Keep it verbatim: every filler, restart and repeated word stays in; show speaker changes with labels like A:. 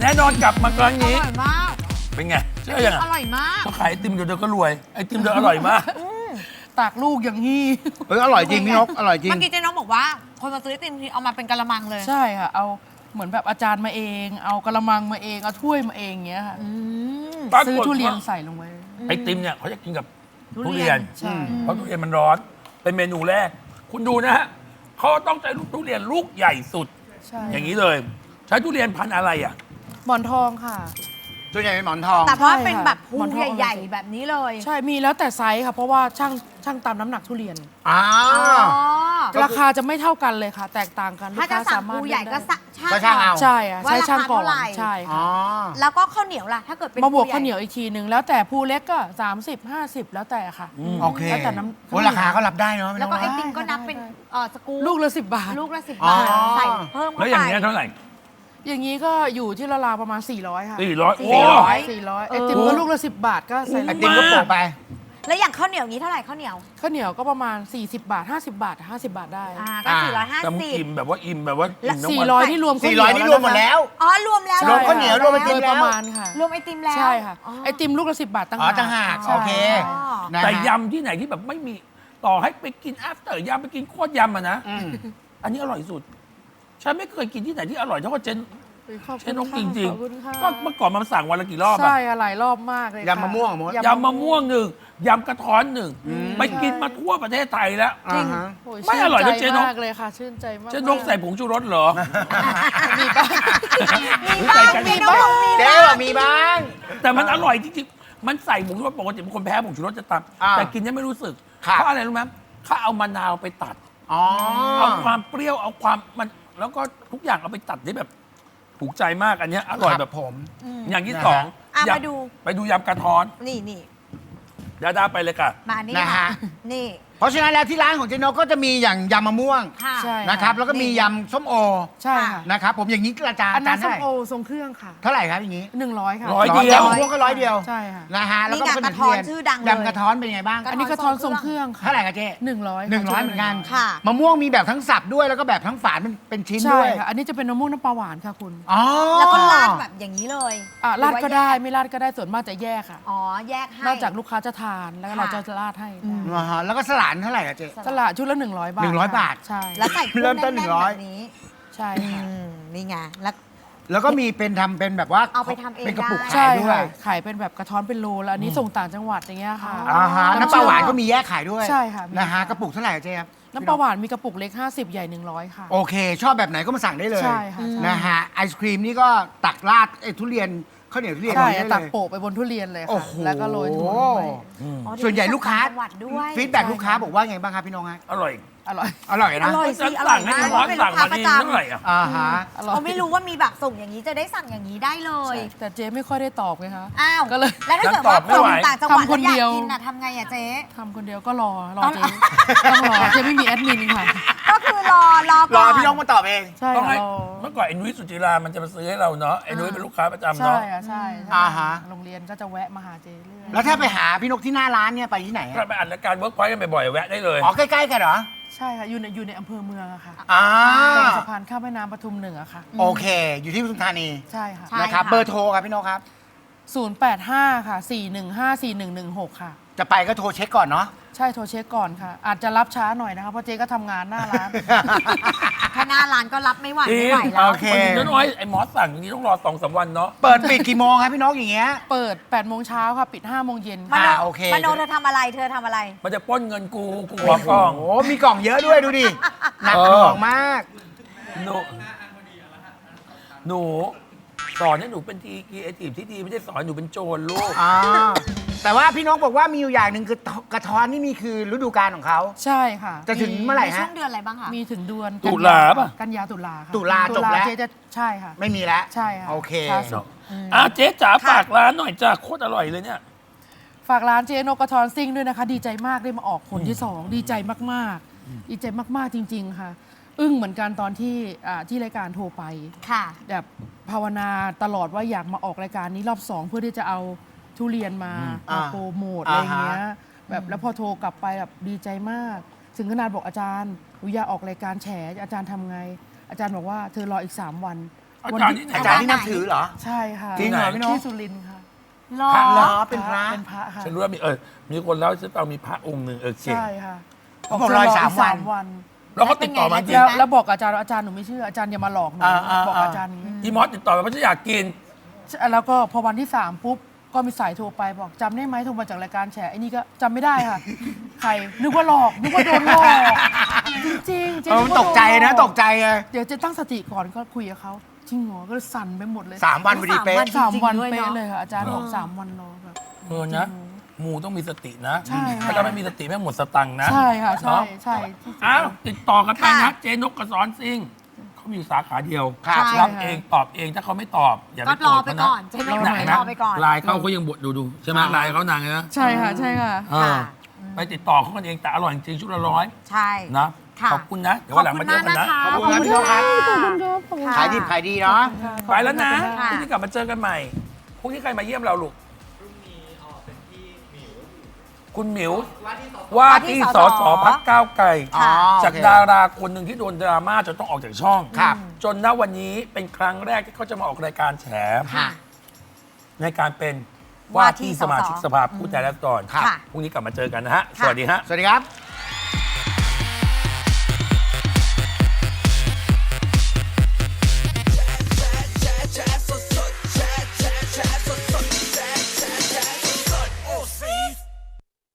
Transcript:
A: แน่นอนกลับมาครั้ง
B: อ
A: นี้
B: ร่อยมาก
A: เป็นไงเชื่อยัง
B: อ
A: อ่ะ
B: ร่อยมาก
A: เขาขายไอติมเดี๋ยวเดี๋ยวก็รวยไอติมเดี๋ยวอร่อยมาก
C: ตากลูกอย่างนี้
D: เอออร่อยจริงพี่นกอร่อยจริง
B: เมื่อกี้เจ๊น้องบอกว่า คนมาซื้อไอติมทีเอามาเป็นกะละมังเลย
C: ใช่ค่ะ เอาเหมือนแบบอาจารย์มาเอง เอากระมังมาเอง เอาถ้วยมาเองอย่างเงี้ยค่ะ
B: อืม
A: ปรากฏ
C: ซื้อทุเรียน
A: ว่า
C: ใส่ลงไป
A: ไอติมเนี่ยเขาจะกินกับ
B: ทุ
A: ทุ
B: เรี
A: เรี
B: ย
A: ย
B: น
A: น
C: ใช่
A: เพราะทุเรียนมันร้อน เป็นเมนูแรก คุณดูนะฮะเขาต้องใช้ลูกทุเรียนลูกใหญ่สุด
C: ใช่
A: อย่างนี้เลย ใช้ทุเรียนพันธุ์อะไรอ่ะ
C: หมอนทองค่ะ
D: ส่วนใหญ่เป็นหมอนทอง
B: แต่ว่า
C: ใช่
B: เป็น
C: ค่ะ
B: แบบภู
C: หมอนทอง
B: ใหญ่ๆแบบนี้เลย
C: ใช่ มีแล้วแต่ไซส์ค่ะ เพราะว่าช่างช่างตามน้ำหนักทุเรียน
D: อ้า
B: อ๋อ
D: ว
C: ราคาจะไม่เท่ากันเลยค่ะ แตกต่างกัน
B: ถ้าจะ
C: ลูกค้
B: สั่ง
C: สมรถ
B: ภูใหญ่ก็
C: เลือได้
B: สั่ง
D: ก็ช่างเอา
C: ใช่อะ
B: ว่า
C: ใช้ช่างก่อน
B: ราคาเท่าไหร่
C: ใช่
D: อ๋อ
C: ค่ะ
B: แล้วก็ข้าวเหนียวล่ะ ถ้าเกิดเป็น
C: มาบวก
B: ภูใญ่
C: ข้าวเหนียวอีกทีนึง แล้วแต่ภูเล็กก็สามสิบ ห้าสิบแล้วแต่ค่ะ
D: โอเค
C: แล้วแต่น้ำ
D: โอ้ราคาก็รับได้เนาะพี่น
B: แล้ว
D: ก
B: ก็ไอ
D: เนาะ
B: ติมก็นับเป็นเอ่อสกู๊ป
C: ลูกละสิบบาท
B: ลูกละสิบ
D: อ๋อ
B: บาทใส่เพิ่ม
A: แล้ว
B: เข้า
A: อย่าง
B: ไป
A: เงี้ยเท่าไหร่
C: อย่างนี้ก็อยู่ที่ราวๆประมาณ สี่ร้อยค่ะ
A: สี่ร้อย
B: สี่
A: โอ้
B: ร้อย
C: สี่ร้อย
B: เออ
C: ไอติมก็ลูกละสิบบาทก็ใส่
D: ไอติมก็โปะไป
B: แล้วอย่างข้าวเหนียวนี้เท่าไหร่ข้าวเหนียว
C: ข้าวเหนียวก็ประมาณ สี่สิบบาท ห้าสิบบาท ห้าสิบบาทได้
B: อ่าก็
D: อ่า
B: สี่ร้อยห้า
A: แต่มึง
B: สิบ
A: อิ่มแบบว่าอิ่มแบบว่าอิ่มทั้ง
C: สี่
A: วัน
C: ร้อยที่รวมข้าว
D: สี่
C: เหนี
D: ร้อย
C: ยว
D: นี่รวมหมดแล้ว
B: อ๋อรวมแล้ว
D: รวมข้าวเหนียวรวมไอติม
C: โดยประมาณค่ะ
B: รวมไอติมแล้ว
C: ใช่ค่ะ
B: อ๋อ
C: ไอติมลูกละสิบบาทตั้ง
D: อ๋อต่างหาก
C: ใช่
D: โอเค
B: อ๋อ
D: นะฮะ
A: แต่ยำที่ไหนที่แบบไม่มีต่อให้ไปกิน after ยำไปกินโคตรยำอะนะ
D: อืม
A: อันนี้อร่อยสุด ฉันไม่เคยกินที่ไหนที่อร่อยเท่ากับเจน
C: ขอบ
A: เจ
C: คุ
A: น
C: ณ
A: นก
C: ค่ะ
A: จริง
C: ขอบคุณค่ะ
A: ๆก็เมื่อก่อนมันสั่งวันละกี่รอบอะ
C: ใช่ค่ะหลายรอบมากเลยค่
D: ยำมะม่วงเหรอมด
A: ยำมะม่วงหนึ่งยำกระท้อนหนึ่งไปกินมาทั่วประเทศไทยแล้ว
D: อ่าฮะ
C: โอ้ย
A: ไม่อร่อยนะ
C: ชื่
A: เจ๊
C: ใจ
A: นก
C: มากเลยค่ะ ชื่นใจมาก
A: เจนนกใส่ผงชูรสเหรอ
C: มีบ้าง
B: มีบ้างมีบ้างมี
D: เจ๊
B: บ้าง
D: บอกมีบ้าง
A: แต่มันอร่อยจริงๆ มันใส่ผงชูรสปกติเป็นคนแพ้ผงชูรสจะตาม
D: อ่า
A: แต่กินเนี่ยไม่รู้สึก
D: ครับ
A: เพราะอะไรรู้ไหมเขาเอามะนาวไปตัด
D: อ๋อ
A: เอาความเปรี้ยวเอาความมันแล้วก็ทุกอย่างเอาไปตัดได้แบบถูกใจมากอันเนี้ยอร่อยแบบ
D: ผม
A: อย่างที่
D: นะฮะ
A: สอง
B: อ่ะ
A: ยำ
B: มาดู
A: ไปดูยำกระท้อน
B: นี่นี่
A: ดาดาไปเลยค่ะ
B: มานี่
D: นะฮะ
B: ค่ะนี่
D: เพราะฉะนั้นแล้วที่ร้านของเจนกก็จะมีอย่างยำมะม่วง
B: ค่ะ
C: ใช่
D: นะครับ แล้วก็มียำส้มโอ
C: ใช่ค่ะ
D: นะครับผมอย่างนี้อาจารย์
C: อันนั้น
D: อา
C: ส้
D: จาร
C: ม
D: ย์
C: โอ
D: เท่าไหร่
C: ทรงเครื่องค่ะ
D: เท่าไหร่ครับอย่างนี้
C: หนึ่งร้อยค่ะ
A: ร้อยเดียว
D: มะม่วงก็ร้อยเดียว
C: ใช่ค่ะ
D: นะฮะแล้วก็
B: นี่ไง
D: เป็น
B: กระท้อน
D: ทุเย
B: ชื่อดังเลย
D: ยำกระท้อนเป็นยังไงบ้าง
C: อันนี้กระท้อนทรงเครื่องค่ะ
D: เท่าไหร่ครับเจ๊
C: หนึ่งร้อย
D: หนึ่งร้อยเหมือนกัน
B: ค่ะ
D: มะม่วงมีแบบทั้งสับด้วยแล้วก็แบบทั้งฝานเป็นเป็นชิ้น
C: ใช่
D: ด้วย
C: ค่ะ อันนี้จะเป็นมะม่วงน้ำปลาหวานค่ะคุณ
D: อ๋อ
B: แล้วก็ราดแบบอย่างนี้เลย
C: อ่ะราดก็ได้
B: หรือว่
C: ไม่ราดก็ได้ส่วนมากจะแยกค่ะ
B: อ๋อแยกให้
C: นอกจากลูกค้าจะทานแล้วก็
B: ค่ะ
C: เราจะราดให้
B: อืม
D: อ่าฮะแล้วก็สลานเท่าไหร่ครับเจ๊
C: สละชุดละหนึ่งร้อยบาท
D: หนึ่งร้อย
C: ค่ะ
D: บาท
C: ใช่
B: แล้วใส่เครื่
D: เริ่
B: อง
D: มต้น
B: แน่น
D: หนึ่งร้
B: ๆ
D: อย
B: แบบนี้
C: ใช่
B: อื
C: ค่ะ
B: มนี่ไงแล้ว
D: แล้วก็มีเป็นทำเป็นแบบว่า
B: เอาไปทำเอง
D: เป็นกระปุก
B: ได้
D: ขา
C: ใช่
D: ยด้วย
C: ค่ะขายเป็นแบบกระท้อนเป็นโลแล้วอันนี้ส่งต่างจังหวัดอย่างเงี้ยค่ะ
D: อ่าฮะน้ำปลาหวานก็มีแยกขายด้วย
C: ใช่ค่ะมี
D: นะฮะกระปุกเท่าไหร่ครับเจ๊ครับ
C: น้ำปลาหวานมีกระปุกเล็กห้าสิบใหญ่หนึ่งร้อยค่ะ
D: โอเค ชอบแบบไหนก็มาสั่งได้เลย
C: ใช่ค่ะใช่
D: นะฮะไอศครีมนี่ก็ตักราดไอ้ทุเรียนข้าวเหนียวทุเรียน
C: ใช่
D: ได้
C: ตัก
D: เลย
C: โปะไปบนทุเรียนเลย
D: โอ้
C: ค่ะ
D: โห
C: แล้วก็โรยถั่วลงไป
B: อ๋อ
D: ส่วนใหญ่ลูกค้า
B: จังหวัดด้วย
D: ฟีดแบ็กลูกค้าบอกว่าไงบ้างครับพี่น้องฮะ
A: อร่อย
C: อร่อย
D: อร่อย
B: อ
D: นะ
B: ร่อย
A: ฉั
B: สิ
A: น
B: อร่อ
A: สั่
B: ย
A: งให้
B: มาก
A: น้อง
B: เป็น
A: สั่
B: ลู
A: ง
B: กค้า
A: มา
B: ประ
A: ดี
B: จ
A: เท่าไหร่อ่ะ
D: อ่าฮะ
C: อร่อย
B: ำเขาไม่รู้ว่ามีแบบส่งอย่างนี้จะได้สั่งอย่างนี้ได้เลย
C: แต่เจ๊ไม่ค่อยได้ตอบไงคะ
B: อ้าว
C: ก็เลย
B: แล้วถ้าเกิด
A: ตอ
B: ว่า
A: บไม่
B: ส่ง
A: ไหว
B: ต่างจังหวัด
C: ทำคน
B: แล้วอยาก
C: เดียว
B: กินน่ะทำไงอะเจ๊
C: ทำคนเดียวก็รอรอ
B: เอา
C: เจ๊ต้องรอเจ๊ไม่มีแอดมินค่ะ
B: ก็คือรอรอ
D: ร
B: ก่
D: อ
B: อน
D: พี่น้องมาตอบเอง
C: ใช่
A: ต้อง
C: ค่ะ
A: ให้
C: รอ
A: เมื่อก่อนไอ้นุ้ยสุจิรามันจะมาซื้อให้เราเนาะไอ้นุ้ยเป็นลูกค้าประจำ
C: ใช่
A: เนาะ
C: ค่ะใช่ใช่
D: อ่าฮะ
C: โรงเรียนก็จะแวะมาหาเจ๊เรื่อย
D: แล้วถ้าไปหาพี่นกที่หน้าร้านเนี่ยไปที่ไหน
A: ก็
D: อะ
A: ไปอัดรายการเวิร์กพอยต์กันบ่อยๆแวะได้เลย
D: อ๋อใกล้ๆกันเหรอ
C: ใช่ค่ะอยู่ในอยู่ในอำเภอเมืองอะค่ะ
D: อ่า
C: ตรงสะพานข้ามแม่น้ำปทุมเหนือค่ะ
D: โอเค อยู่ที่ปทุมธานี
C: ใช่ค่ะ
B: ใช่
D: นะครับ
B: ค่ะ
D: เบอร์โทรครับพี่นกครับ
C: ศูนย์แปดห้าค่ะสี่หนึ่งห้าสี่หนึ่งหนึ่งหกค่ะ
D: จะไปก็โทรเช็คก่อนเนาะ
C: ใช่โทรเช็คก่อนค่ะ อาจจะรับช้าหน่อยนะคะเพราะเจ๊ก็ทำงานหน้าร้าน
B: ถ้าหน้าร้านก็รับไม่ไหว
A: จริ
B: ไม่
A: ง
B: ไหวแล้ว
D: โอเค
A: วันนี้น้อยไอ้หมอสั่งอย่างนี้ต้องรอสองสามวันเนาะ
D: เปิดปิดกี่โมงครับพี่นกอย่างเงี้ย
C: เปิดแปดโมงเช้าค่ะ ปิดห้าโมงเย็น
B: ม
C: ค่ะ
B: โน
D: อ่าโอเค
B: มโนเธอทำอะไรเธอทำอะไร
A: มันจะปล้นเงินกูกูขอกล้อง
D: โอ้โหมีกล่องเยอะด้วยดูดิ หนัก
A: เอ
D: ห
A: อ
D: น่วงมาก
A: หนูหนูสอนให้หนูเป็นทีกีเอทีฟที่ดีไม่ได้สอนให้หนูเป็นโจรลูก
D: อ่า แต่ว่าพี่นกบอกว่ามีอยู่อย่างหนึ่งคือกระท้อนนี่มีคือฤดูกาลของเขา
C: ใช่ค่ะ
D: จะถึงเมื่อไหร่
B: มีช่
D: ฮะ
B: วงเดือนอะไรบ้างคะ
C: มีถึงเดือน
A: ตุลาป่ะ
C: กันยาตุลาค่ะ
D: ตุลาจบแล้ว
C: เจ๊จะใช่ค่ะ
D: ไม่มีแล้ว
C: ใช่ค่ะ
D: โอเค
C: ช้าสุด
A: อ่ะเจ๊จ๋าฝากร้านหน่อยจ้าโคตรอร่อยเลยเนี่ย
C: ฝากร้านเจ๊นกกระทอนซิ่งด้วยนะคะ ดีใจมากได้มาออกผลที่สองดีใจมากๆ ดีใจมากๆจริง ๆ ค่ะ อึ้งเหมือนกันตอนที่อ่าที่รายการโทรไป
B: ค่ะ
C: แบบภาวนาตลอดว่าอยากมาออกรายการนี้รอบสองเพื่อที่จะเอาทุเรียนมา
D: อ่า
C: มาโปรโมทอะไรอย่างเงี้ย
D: อ่าฮะ
C: แบบแล้วพอโทรกลับไปแบบดีใจมาก ถึงขนาดบอกอาจารย์หนูอยากออกรายการแฉอาจารย์ทำไง อาจารย์บอกว่าเธอรออีก สาม วัน
A: อาจารย์ที่ไหน
D: อาจารย์ที่นับถือเหรอ
C: ใช่ค่ะ
D: จริงเหรอพี่นก
C: ที่สุรินทร์ค่ะ
B: หรอ
A: พระ
D: เหรอเป็นพระ
C: เป็นพระค่ะ
A: ฉันรู้ว่ามีเออมีคนเล่าให้ฉันฟังมีพระองค์หนึ่งเออเก่ง
C: ใช่ค่ะ
D: เขาบอกรอยสามวัน
C: วัน
A: แล้วก็ติดต่อมาจริง
C: แล้วแล้วบอกอาจารย์ว่าอาจารย์หนูไม่เชื่ออาจารย์อย่ามาหลอกหนู
D: อ่าอ่า
C: บอก
D: อ่า
C: อาจารย์นี้
A: อีมอสติดต่อมาเพราะฉันอยากกิน
C: แล้วก็พอวันที่สามปุ๊บก็มีสายโทรไปบอกจำได้ไหมโทรมาจากรายการแฉไอ้นี่ก็จำไม่ได้ค่ะ ใครนึกว่าหลอกนึกว่าโดนหลอกจริงๆเจ๊
D: เออ
C: นึ
D: มัน
C: ว่า
D: ตกใจนะ
C: โดหลอ
D: ตกใจไง
C: เดี๋ยวเจะตั้งสติก่อนก็คุยกับเขาจริงเหรอก็เลยสั่นไปหมดเลย
D: สามวันพอดีเป๊ะ
C: สามวัน
B: จริงๆด้วย
C: เป๊ะ
B: เนอะ
C: เลยค่ะอาจารย์บอกสามวันรอแบบ
A: เออนะหมูต้องมีสตินะ
C: ใช่ค่ะ
A: ถ้าเราไม่มีสติแม่งหมดสตังค์นะ
C: ใช่ค่ะใช่
A: เนาะ
C: ใช่ที่สุด
A: อ้าวติดต่อกันไปนะ
B: ค่ะ
A: เจนกกระสอนซิงเขามีอยู่สาขาเดียว
D: ครับ
B: ใช่
A: รับเองตอบเองถ้าเขาไม่ตอบอย่าไป
B: ก็
A: โก
B: ร
A: ร
B: อ
A: ธ
B: ไป
A: เขานะ
B: ก่อนเจ๊นก
A: ไหน
B: ร
A: นะ
B: อไปก่อน
A: ไลน์เขาเขายังบดดูดูใช่ไหมไลน์เขานางไงนะ
C: ใช่ค่ะใช่ค่ะ
A: เออไปติดต่อเขากันเองแต่อร่อยจริงๆชุดละร้อย
B: ใช่
A: นะ
B: ค่ะ
A: ขอบคุณนะเดี๋ยววันหลังมาเจอกันนะ
D: ขอบคุณครับพี่นกครับ
C: ขอบคุณครับขอบคุณครับ
D: ขายดีขายดีเนาะ
A: ไปแล้วนะ
B: ค่ะ
A: พรุ่งนี้กลับมาเจอกันใหม่พรุ่งนี้ใครมาเยี่ยมเราลูกคุณหมิวว่าที่สสพักก้าวไกล
D: อ๋อ
A: จาก
D: โอเค
A: ดาราคนหนึ่งที่โดนดราม่าจนต้องออกจากช่อง
D: ครับ
A: จนณวันนี้เป็นครั้งแรกที่เขาจะมาออกรายการแฉ
D: ค่ะ
A: ในการเป็นว่าที่สมาชิกสภาผู้แทนราษฎร
D: ครับ
A: พรุ่งนี้กลับมาเจอกันนะฮะ สวัสดีฮะ
D: สวัสดีครับ